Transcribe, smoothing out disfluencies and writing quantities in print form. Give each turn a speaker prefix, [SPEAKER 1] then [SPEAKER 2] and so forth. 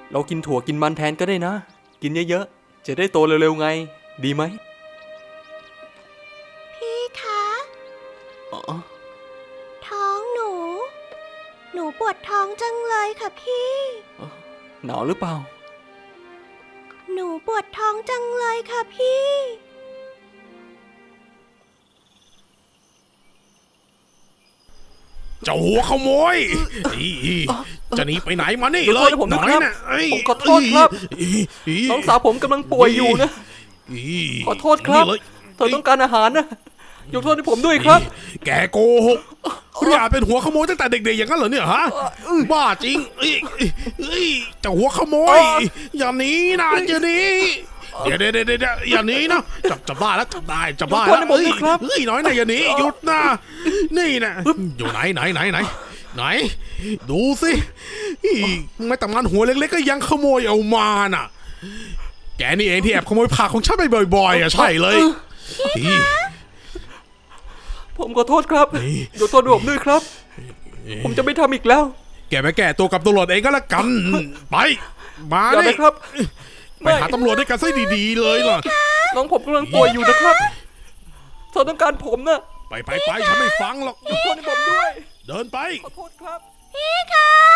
[SPEAKER 1] เรากินถั่วกินมันแทนก็ได้นะกินเยอะๆจะได้โตเร็วๆไงดีไหม
[SPEAKER 2] พี่คะ
[SPEAKER 1] อ๋อ
[SPEAKER 2] ท้องหนู หนูปวดท้องจังเลยค่ะพี่
[SPEAKER 1] หนาวหรือเปล่า
[SPEAKER 2] หนูปวดท้องจังเลยค่ะพี่
[SPEAKER 3] เจ้าหัวขโมยจะหนีไปไหนมานี่เลย
[SPEAKER 1] ผม
[SPEAKER 3] ห
[SPEAKER 1] นะ
[SPEAKER 3] น่อย
[SPEAKER 1] ครับ
[SPEAKER 3] นะ
[SPEAKER 1] ผมขอโทษครับน้องสาวผมกำลังป่วยอยู่นะขอโทษครับ
[SPEAKER 3] นี่เลย
[SPEAKER 1] เธอต้องการอาหารนะยกโทษให้ผมด้วยครับ
[SPEAKER 3] แกโกหกคุณอย่าเป็นหัวขโมยตั้งแต่เด็กๆอย่างนั้นเหรอเนี่ยฮะบ้าจริงเจ้าหัวขโมยอย่าหนีนะอย่าหนีเดี๋ยวอย่าหนีนะจับได้แล้วจับได้แล้วน้อยนะอย่าหนีหยุดนะนี่นะอยู่ไหนดูสิไม่แต่มันหัวเล็กๆก็ยังขโมยเอามาน่ะแกนี่เองที่แอบขโมยผักของฉันไปบ่อยๆอ่ะใช่เลย
[SPEAKER 1] ผมขอโทษครับยกโทษให้ผมด้วยครับ ผมจะไม่ทำอีกแล้ว
[SPEAKER 3] แกไปแก้ตัวกับตำรวจเองก็แล้วกันไปมา
[SPEAKER 1] อย่า
[SPEAKER 3] ดิ
[SPEAKER 1] นะครับ
[SPEAKER 3] ไปหาตำรวจด้วยกันซะดีๆเลยล่ะ
[SPEAKER 1] น้องผมกำลังป่วยอยู่นะครับเธอต้องการผมนะ
[SPEAKER 3] ไปฉันไม่ฟังหรอก
[SPEAKER 1] ยกโทษให้ผมด้วย
[SPEAKER 3] เดินไป
[SPEAKER 1] ขอโทษครับ
[SPEAKER 2] พี่คะ